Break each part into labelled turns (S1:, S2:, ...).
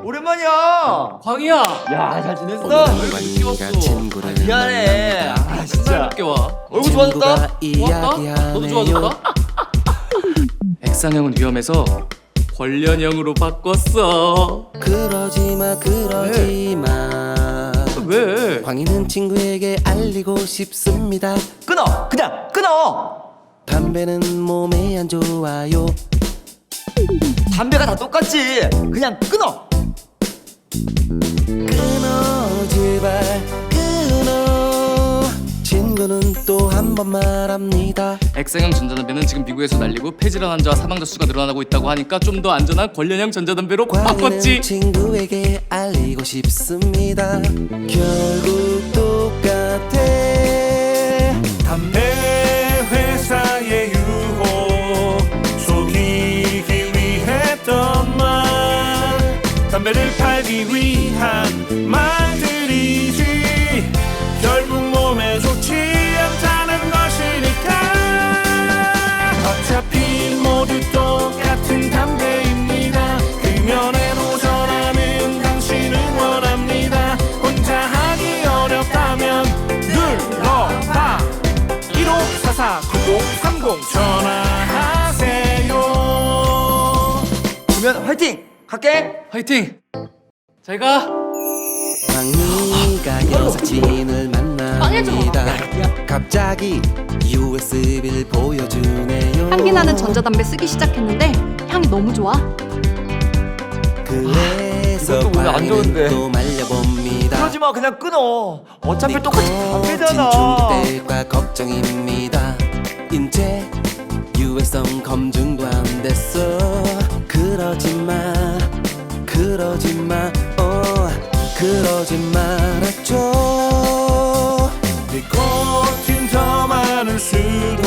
S1: 오랜만이야.
S2: 광희야.
S1: 야, 잘 지냈어?
S2: 얼굴 늦게 왔어.
S1: 미안해. 진짜.
S2: 늦게 와.
S1: 얼굴 좋아졌다?
S2: 좋았다? 너도 좋아졌다? 액상형은 위험해서 권련형으로 바꿨어.
S3: 그러지마
S2: 왜?
S3: 광희는 친구에게 알리고 싶습니다.
S1: 끊어. 그냥 끊어.
S3: 담배는 몸에 안 좋아요.
S1: 담배가 다 똑같지. 그냥 끊어.
S3: 끊어 제발 끊어. 친구는 또 한 번 말합니다.
S2: 액상형 전자담배는 지금 미국에서 날리고 폐질환 환자와 사망자 수가 늘어나고 있다고 하니까 좀 더 안전한 권련형 전자담배로
S3: 광희는
S2: 바꿨지.
S3: 친구에게 알리고 싶습니다. 결국 똑같아.
S4: 담배 회사의 유혹 속이기 위했던 말, 담배를 팔기 위한 말들이지 결국 몸에 좋지 않다는 것이니까. 어차피 모두 똑같은 담배입니다. 금연에 도전하는 당신을 원합니다. 혼자 하기 어렵다면 눌러봐 1544-9030 전화하세요.
S1: 그러면 화이팅. 갈게.
S2: 화이팅. 잘 가.
S3: 광희가 여사친을 만납니다. 갑자기 USB를 보여주네요.
S5: 향기 나는 전자담배 쓰기 시작했는데 향이 너무 좋아.
S3: 그래서
S1: 이것도 오늘 안 좋은데.
S3: 광희는 또 말려봅니다.
S1: 그러지 마. 그냥 끊어. 어차피 똑같이 담배잖아.
S3: 진출될까 걱정입니다. 인체 유해성 검증도 안 됐어. 그러지 말았죠.
S4: 니코틴 더 많을 수도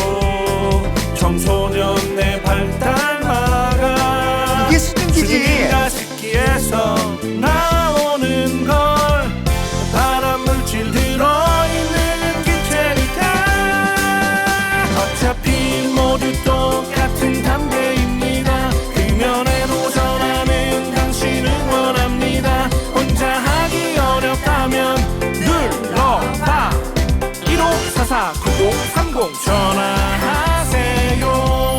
S4: 청소년 내 발달 막아.
S1: 이게 수증기지.
S4: 가습기에서 나오는 걸 발암 물질 들어있는 기체니까. 어차피 모두 똑같은 담배입니다. 금연에 도전하는 당신을 원합니다. 혼자 하기 어렵다면 눌러봐 1544-9030 전화하세요.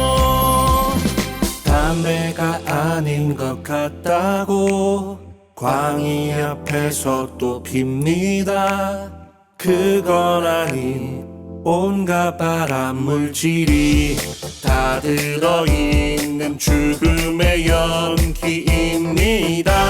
S4: 담배가 아닌 것 같다고 광희 앞에서 또 핍니다. 그건 아닌 온갖 발암 물질이 다 들어있는 죽음의 연기입니다.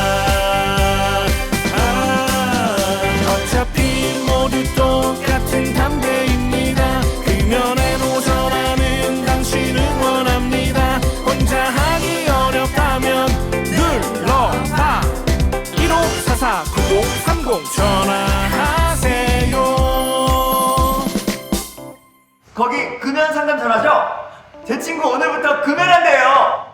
S4: 어차피 모두 똑같은 담배입니다. 금연에 도전하는 당신을 원합니다. 혼자 하기 어렵다면 눌러봐 1544-9030 전화하세요.
S1: 거기 금연 상담 전화죠? 제 친구 오늘부터 금연한대요.